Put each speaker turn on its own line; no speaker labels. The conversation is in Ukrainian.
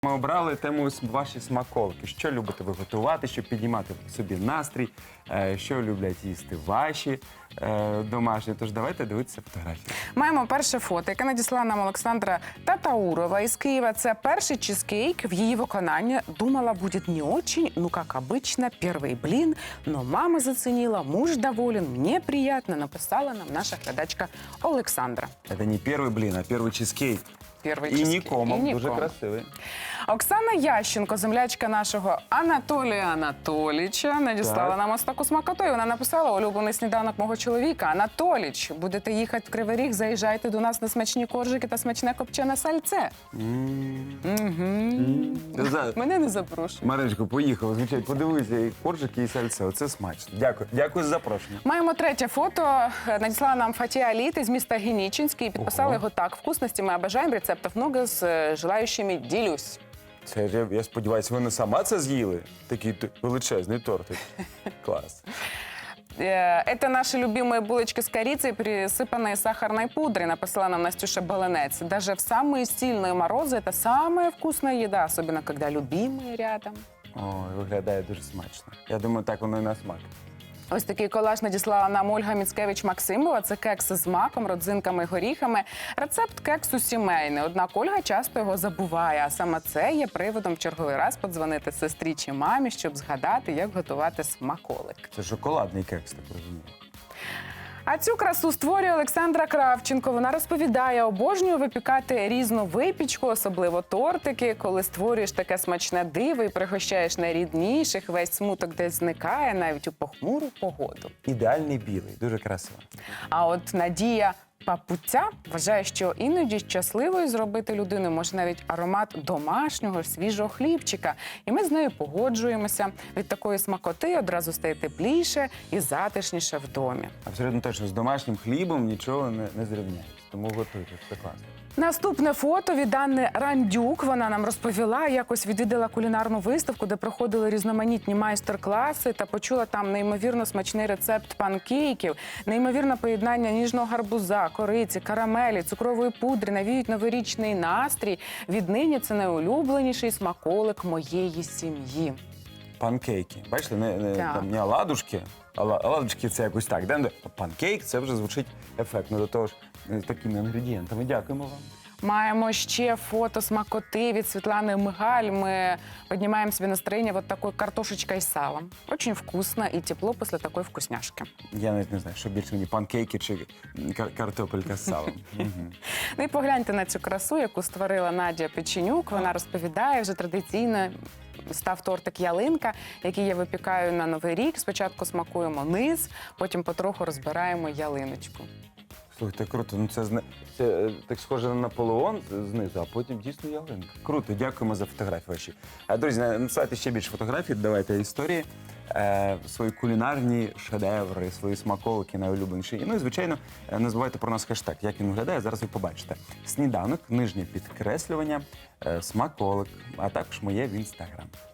Ми обрали тему ваші смаколики. Що любите ви готувати, щоб піднімати собі настрій, що люблять їсти ваші домашні. Тож давайте дивитися фотографії.
Маємо перше фото, яке надіслала нам Олександра Татаурова із Києва. Це перший чизкейк в її виконанні. Думала, буде не очень, ну, как обычно, первый блин. Но мама заценила, муж доволен, мне приятно, написала нам наша глядачка Олександра.
Це не перший блін, а перший чизкейк.
Перший
І
чизкейк.
нікому. Дуже красивий.
Оксана Ященко, землячка нашого Анатолія Анатолійовича, надіслала
Так.
нам ось таку смакоту. І вона написала: улюблений сніданок мого чоловіка. Анатоліч, будете їхати в Кривий Ріг, заїжджайте до нас на смачні коржики та смачне копчене сальце. Мене не запрошують.
Мариночко, поїхали. Звичайно, подивися, і коржики, і сальце. Оце смачно. Дякую. Дякую за запрошення.
Маємо третє фото. Надіслала нам Фатія Аліт із міста Генічинський. І підписали його так: вкусності ми обожаємо, рецептів много, з желаючими ділюсь.
Це, я сподіваюся, ви не сама це з'їли? Такий величезний тортик. Клас.
Это наши любимые булочки с корицей, присыпанные сахарной пудрой, написала нам Настюша Баланец. Даже в самые сильные морозы это самая вкусная еда, особенно когда любимые рядом.
Ой, виглядає дуже смачно. Я думаю, так воно і на смак.
Ось такий колаж надіслала нам Ольга Міцкевич-Максимова. Це кекси з маком, родзинками і горіхами. Рецепт кексу сімейний, однак Ольга часто його забуває. А саме це є приводом в черговий раз подзвонити сестрі чи мамі, щоб згадати, як готувати смаколик.
Це шоколадний кекс, так розумію.
А цю красу створює Олександра Кравченко. Вона розповідає, обожнює випікати різну випічку, особливо тортики. Коли створюєш таке смачне диво і пригощаєш найрідніших, весь смуток десь зникає, навіть у похмуру погоду.
Ідеальний білий, дуже красиво.
А от Надія Папуця вважає, що іноді щасливою зробити людину може навіть аромат домашнього свіжого хлібчика. І ми з нею погоджуємося. Від такої смакоти одразу стає тепліше і затишніше в домі.
Абсолютно точно, з домашнім хлібом нічого не зрівняється. Тому готуйте, це класно.
Наступне фото від Анни Рандюк. Вона нам розповіла, якось відвідала кулінарну виставку, де проходили різноманітні майстер-класи та почула там неймовірно смачний рецепт панкейків, неймовірне поєднання ніжного гарбуза, кориці, карамелі, цукрової пудри, навіють новорічний настрій. Віднині це найулюбленіший смаколик моєї сім'ї.
Панкейки. Бачите, не оладушки, а оладушки це якось так. Да? Панкейк, це вже звучить ефектно. До того ж, з такими інгредієнтами. Дякуємо вам.
Маємо ще фото смакоти від Світлани Мигаль. Ми піднімаємо собі настроєння вот такой картошечкой з салом. Очень вкусно і тепло після такої вкусняшки.
Я навіть не знаю, що більше мені, панкейки чи картопелька з салом.
Ну і погляньте на цю красу, яку створила Надія Печенюк. Вона розповідає, вже традиційно став тортик ялинка, який я випікаю на Новий рік. Спочатку смакуємо низ, потім потроху розбираємо ялиночку.
Слухайте, круто. Ну це так схоже на Наполеон знизу, а потім дійсно ялинка. Круто, дякуємо за фотографії ваші. Друзі, надсилайте ще більше фотографій, давайте історії, свої кулінарні шедеври, свої смаколики найулюбленіші. Ну і, звичайно, не забувайте про нас хештег. Як він виглядає, зараз ви побачите. Сніданок, нижнє підкреслювання, смаколик, а також моє в Інстаграм.